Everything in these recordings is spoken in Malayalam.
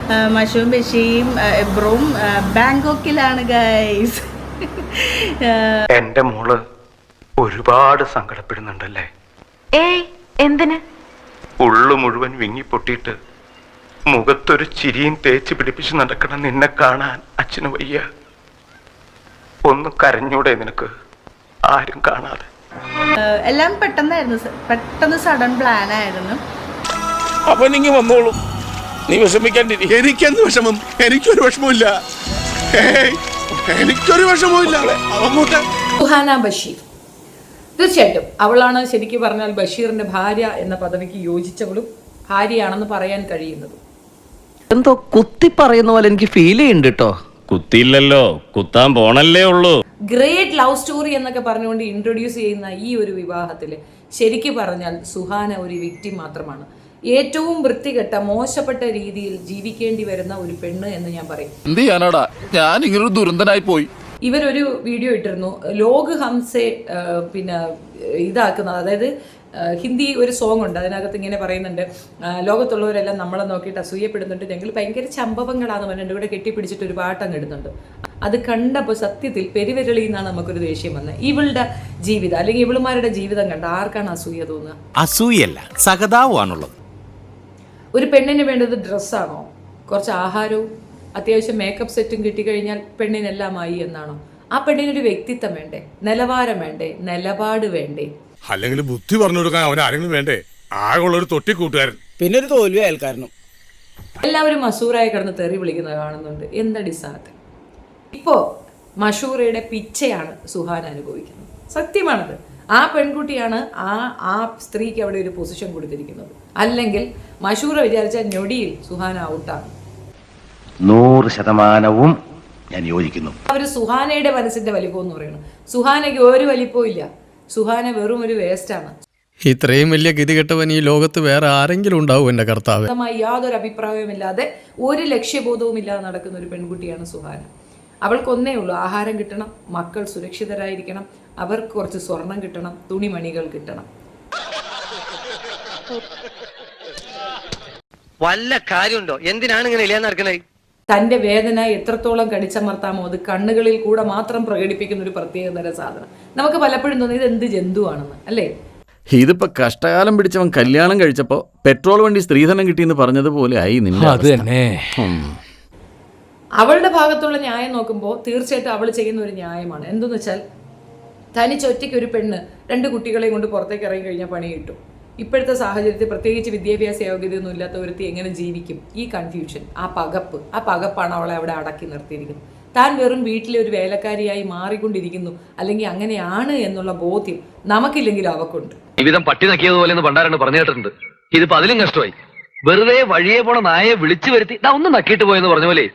മഷുവും ബഷീം എബ്രും ബാങ്കോക്കിലാണ് ഗൈസ്. എന്റെ മോള് ഒരുപാട് സങ്കടപ്പെടുന്നുണ്ടല്ലേ? ഏയ് എന്തിന്? ഉള്ളു മുഴുവൻ വിങ്ങി പൊട്ടിയിട്ട് മുഖത്തൊരു ചിരിയും തേച്ച് പിടിപ്പിച്ച് നടക്കണം നിന്നെ കാണാൻ അച്ഛന് വയ്യ. ഒന്ന് കരഞ്ഞൂടെ നിനക്ക്, ആരും കാണാതെ? എല്ലാം പെട്ടെന്ന് സഡൻ പ്ലാൻ ആയിരുന്നു. അപ്പൊ നിങ്ങൾ വന്നോളൂ, നീ വിഷമിക്കാണ്ടിരി. എനിക്കെന്ത് വിഷമം? എനിക്കൊരു വിഷമമില്ല, എനിക്കൊരു വിഷമമില്ല. അങ്ങോട്ട് സുഹാന ബഷീർ, തീർച്ചയായിട്ടും അവളാണ് ശരിക്കും പറഞ്ഞാൽ ബഷീറിന്റെ ഭാര്യ എന്ന പദവിക്ക് യോജിച്ചവളും ഭാര്യയാണെന്ന് പറയാൻ കഴിയുന്നത്. എന്തോ കുത്തി പറയുന്ന പോലെ എനിക്ക് ഫീൽ ചെയ്യുന്നുണ്ട് കേട്ടോ. കുത്തിയില്ലല്ലോ, കുത്താൻ പോണല്ലേ ഉള്ളൂ. ഗ്രേറ്റ് ലവ് സ്റ്റോറി എന്നൊക്കെ പറഞ്ഞുകൊണ്ട് ഇൻട്രൊഡ്യൂസ് ചെയ്യുന്ന ഈ ഒരു വിവാഹത്തിൽ ശരിക്കും പറഞ്ഞാൽ സുഹാന ഒരു വിക്ടിം മാത്രമാണ്. ഏറ്റവും വൃത്തികെട്ട മോശപ്പെട്ട രീതിയിൽ ജീവിക്കേണ്ടി വരുന്ന ഒരു പെണ്ണ് എന്ന് ഞാൻ പറയും. എന്ത് ചെയ്യാനാടാ, ഞാൻ ഇങ്ങനൊരു ദുരന്തനായി പോയി. ഇവരൊരു വീഡിയോ ഇട്ടിരുന്നു, ലോക് ഹംസെ പിന്നെ ഇതാക്കുന്നത്. അതായത് ഹിന്ദി ഒരു സോങ് ഉണ്ട്, അതിനകത്ത് ഇങ്ങനെ പറയുന്നുണ്ട്, ലോകത്തുള്ളവരെല്ലാം നമ്മളെ നോക്കിയിട്ട് അസൂയപ്പെടുന്നുണ്ട്, ഞങ്ങൾ ഭയങ്കര ചമ്പവങ്ങളാന്ന് പറഞ്ഞ് എൻ്റെ കൂടെ കെട്ടിപ്പിടിച്ചിട്ട് ഒരു പാട്ടങ്ങ് ഇടുന്നുണ്ട്. അത് കണ്ടപ്പോൾ സത്യത്തിൽ പെരുവിരളിൽ നിന്നാണ് നമുക്കൊരു ദേഷ്യം വന്നത്. ഇവളുടെ ജീവിതം അല്ലെങ്കിൽ ഇവളുമാരുടെ ജീവിതം കണ്ട ആർക്കാണ് അസൂയ തോന്നുക? അസൂയല്ല, സഹതാവാണുള്ളത്. ഒരു പെണ്ണിന് വേണ്ടത് ഡ്രസ്സാണോ? കുറച്ച് ആഹാരവും അത്യാവശ്യം മേക്കപ്പ് സെറ്റും കിട്ടിക്കഴിഞ്ഞാൽ പെണ്ണിനെല്ലാമായി എന്നാണോ? ആ പെണ്ണിനൊരു വ്യക്തിത്വം വേണ്ടേ? നിലവാരം വേണ്ടേ? നിലപാട് വേണ്ടേ? അല്ലെങ്കിൽ ബുദ്ധി പറഞ്ഞു കൊടുക്കാൻ അവൻ ആരെങ്കിലും വേണ്ടേ? ആകെയുള്ളൊരു തൊട്ടിക്കൂട്ടുകാരൻ, പിന്നെ ഒരു തോൽവി അയൽക്കാരനും. എല്ലാവരും മഷൂറായി കിടന്ന് തെറി വിളിക്കുന്നത് കാണുന്നുണ്ട്. എന്തടി സാധനം? ഇപ്പോൾ മഷൂറയുടെ പിച്ചയാണ് സുഹാന അനുഭവിക്കുന്നത്. സത്യമാണത്. ആ പെൺകുട്ടിയാണ് ആ സ്ത്രീക്ക് അവിടെ ഒരു പൊസിഷൻ കൊടുത്തിരിക്കുന്നത്. അല്ലെങ്കിൽ മഷൂറ വിചാരിച്ച ഞൊടിയിൽ സുഹാന ഔട്ടാണ്. 100% ഞാൻ യോജിക്കുന്നു. അവർ സുഹാനയുടെ മനസ്സിന്റെ വലിപ്പം എന്ന് പറയുന്നത്. സുഹാനയ്ക്ക് ഒരു വലിപ്പവും ഇല്ല. സുഹാന വെറും ഒരു വേസ്റ്റാണ്. ഇത്രയും വലിയ ഗതികെട്ടവൻ ഈ ലോകത്ത് വേറെ ആരെങ്കിലും ഉണ്ടാവും എൻ്റെ കർത്താവ്? യാതൊരു അഭിപ്രായവുമില്ലാതെ ഒരു ലക്ഷ്യബോധവും ഇല്ലാതെ നടക്കുന്ന ഒരു പെൺകുട്ടിയാണ് സുഹാന. അവൾക്കൊന്നേ ഉള്ളൂ, ആഹാരം കിട്ടണം, മക്കൾ സുരക്ഷിതരായിരിക്കണം, അവർക്ക് കുറച്ച് സ്വർണം കിട്ടണം, തുണിമണികൾ കിട്ടണം. വല്ല കാര്യമുണ്ടോ? എന്തിനാണ് ഇങ്ങനെ ഇല്ലാന്ന് നടക്കണേ? തൻ്റെ വേദന എത്രത്തോളം കടിച്ചമർത്താമോ അത് കണ്ണുകളിൽ കൂടെ മാത്രം പ്രകടിപ്പിക്കുന്ന ഒരു പ്രത്യേകതര സാധനം. നമുക്ക് പലപ്പോഴും തോന്നുന്നത് ഇത് എന്ത് ജന്തുവാണെന്ന്, അല്ലേ? ഇതിപ്പോ കഷ്ടകാലം പിടിച്ചവൻ കല്യാണം കഴിച്ചപ്പോ പെട്രോൾ വണ്ടി സ്ത്രീധനം കിട്ടിയെന്ന് പറഞ്ഞതുപോലെ ആയി നിന്നെ. അത് തന്നെ. അവളുടെ ഭാഗത്തുള്ള ന്യായം നോക്കുമ്പോൾ തീർച്ചയായിട്ടും അവൾ ചെയ്യുന്ന ഒരു ന്യായമാണ്. എന്തെന്ന് വെച്ചാൽ തനിച്ചൊറ്റയ്ക്ക് ഒരു പെണ്ണ് 2 കുട്ടികളെ കൊണ്ട് പുറത്തേക്ക് ഇറങ്ങി കഴിഞ്ഞാൽ പണി കിട്ടും. ഇപ്പോഴത്തെ സാഹചര്യത്തിൽ പ്രത്യേകിച്ച് വിദ്യാഭ്യാസ യോഗ്യതയൊന്നും ഇല്ലാത്ത ഒരുത്തി എങ്ങനെ ജീവിക്കും? ഈ കൺഫ്യൂഷൻ, ആ പകപ്പാണ് അവളെ അവിടെ അടക്കി നിർത്തിയിരിക്കുന്നത്. താൻ വെറും വീട്ടിലെ ഒരു വേലക്കാരിയായി മാറിക്കൊണ്ടിരിക്കുന്നു, അല്ലെങ്കിൽ അങ്ങനെയാണ് എന്നുള്ള ബോധ്യം നമുക്കില്ലെങ്കിലും അവക്കുണ്ട്. ജീവിതം പട്ടി നക്കിയതുപോലെ പണ്ടാരാണ് പറഞ്ഞു കേട്ടിട്ടുണ്ട്. ഇതിപ്പോ അതിലും കഷ്ടമായി. വെറുതെ വഴിയെ പോണ നായെ വിളിച്ചു വരുത്തി ഒന്ന് നക്കിയിട്ട് പോയെന്ന് പറഞ്ഞ പോലെ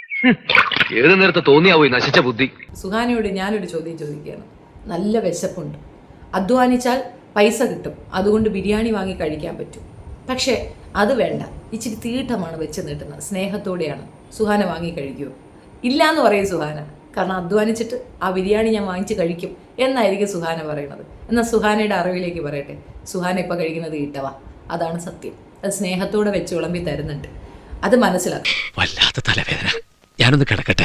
ഏത് നേരത്തെ തോന്നിയാവോയി നശിച്ച ബുദ്ധി. സുഹാനയോട് ഞാനൊരു ചോദ്യം ചോദിക്കുകയാണ്. നല്ല വിശപ്പുണ്ട്, അധ്വാനിച്ചാൽ പൈസ കിട്ടും, അതുകൊണ്ട് ബിരിയാണി വാങ്ങി കഴിക്കാൻ പറ്റും. പക്ഷേ അത് വേണ്ട, ഇച്ചിരി തീട്ടമാണ് വെച്ച് നീട്ടുന്നത്, സ്നേഹത്തോടെയാണ്. സുഹാന വാങ്ങി കഴിക്കുമോ? ഇല്ല എന്ന് പറയും സുഹാന. കാരണം അധ്വാനിച്ചിട്ട് ആ ബിരിയാണി ഞാൻ വാങ്ങിച്ച് കഴിക്കും എന്നായിരിക്കും സുഹാന പറയുന്നത്. എന്നാൽ സുഹാനയുടെ അറിവിലേക്ക് പറയട്ടെ, സുഹാന ഇപ്പം കഴിക്കുന്നത് ഈട്ടവ, അതാണ് സത്യം. അത് സ്നേഹത്തോടെ വെച്ച് വിളമ്പി തരുന്നുണ്ട്, അത് മനസ്സിലാക്കും. വല്ലാത്ത തലവേദന, ഞാനൊന്ന് കിടക്കട്ടെ.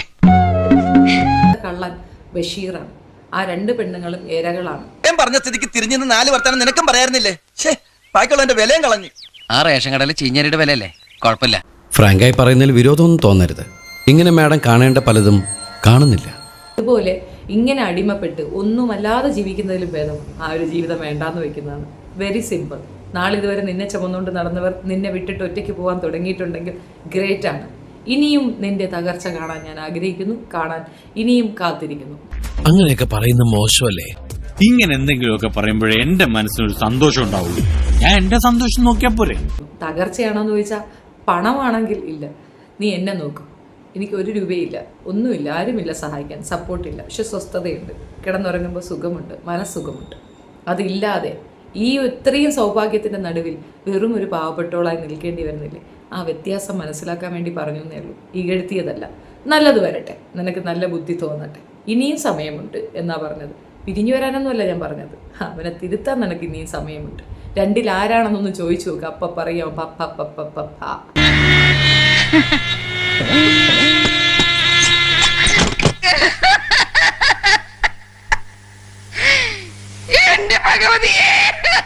കള്ളൻ ബഷീറാണ്. ആ 2 പെണ്ണുങ്ങളും ഇരകളാണ്. പറഞ്ഞ സ്ഥിതിക്ക് തിരിഞ്ഞു 4 വർത്താനം നിനക്കും പറയാറുന്നില്ലേ? ബാക്കിയുള്ളതിന്റെ വിലയും കളഞ്ഞു. ആ റേഷൻ കടയിൽ ചീഞ്ഞരിയുടെ വിലയല്ലേ, കുഴപ്പമില്ല. ഫ്രാങ്കായി പറയുന്നതിൽ വിരോധമൊന്നും തോന്നരുത്. ഇങ്ങനെ മാഡം കാണേണ്ട പലതും കാണുന്നില്ല. അതുപോലെ ഇങ്ങനെ അടിമപ്പെട്ട് ഒന്നുമല്ലാതെ ജീവിക്കുന്നതിലും ഭേദം ആ ഒരു ജീവിതം വേണ്ടാന്ന് വെക്കുന്നതാണ്. Very simple. നാളിതുവരെ നിന്നെ ചുമന്നുകൊണ്ട് നടന്നവർ നിന്നെ വിട്ടിട്ട് ഒറ്റയ്ക്ക് പോകാൻ തുടങ്ങിയിട്ടുണ്ടെങ്കിൽ ഗ്രേറ്റ് ആണ്. ഇനിയും നിന്റെ തകർച്ച കാണാൻ ഞാൻ ആഗ്രഹിക്കുന്നു, കാണാൻ ഇനിയും കാത്തിരിക്കുന്നു. അങ്ങനെയൊക്കെ പറയുന്ന മോശമല്ലേ? ഇങ്ങനെ എന്തെങ്കിലുമൊക്കെ പറയുമ്പോഴേ എന്റെ മനസ്സിനൊരു സന്തോഷം ഉണ്ടാവുള്ളൂ. ഞാൻ എന്റെ സന്തോഷം നോക്കിയാ പോരെ. തകർച്ചയാണോന്ന് ചോദിച്ചാൽ പണമാണെങ്കിൽ ഇല്ല. നീ എന്നെ നോക്കും, എനിക്ക് 1 രൂപയില്ല, ഒന്നുമില്ല, ആരുമില്ല സഹായിക്കാൻ, സപ്പോർട്ടില്ല, പക്ഷെ സ്വസ്ഥതയുണ്ട്, കിടന്നുറങ്ങുമ്പോൾ സുഖമുണ്ട്, മനസ്സുഖമുണ്ട്. അതില്ലാതെ ഈ ഇത്രയും സൗഭാഗ്യത്തിൻ്റെ നടുവിൽ വെറും ഒരു പാവപ്പെട്ടോളായി നിൽക്കേണ്ടി വരുന്നില്ലേ? ആ വ്യത്യാസം മനസ്സിലാക്കാൻ വേണ്ടി പറഞ്ഞു എന്നേ ഉള്ളൂ, ഇകഴ്ത്തിയതല്ല. നല്ലത് വരട്ടെ, നിനക്ക് നല്ല ബുദ്ധി തോന്നട്ടെ, ഇനിയും സമയമുണ്ട് എന്നാ പറഞ്ഞത്. പിരിഞ്ഞു വരാനൊന്നുമല്ല ഞാൻ പറഞ്ഞത്, അവനെ തിരുത്താൻ നിനക്ക് ഇനിയും സമയമുണ്ട്. 2ൽ ആരാണെന്നൊന്ന് ചോദിച്ചു നോക്കുക, അപ്പം പറയാം. എന്റെ ഭഗവതിയെ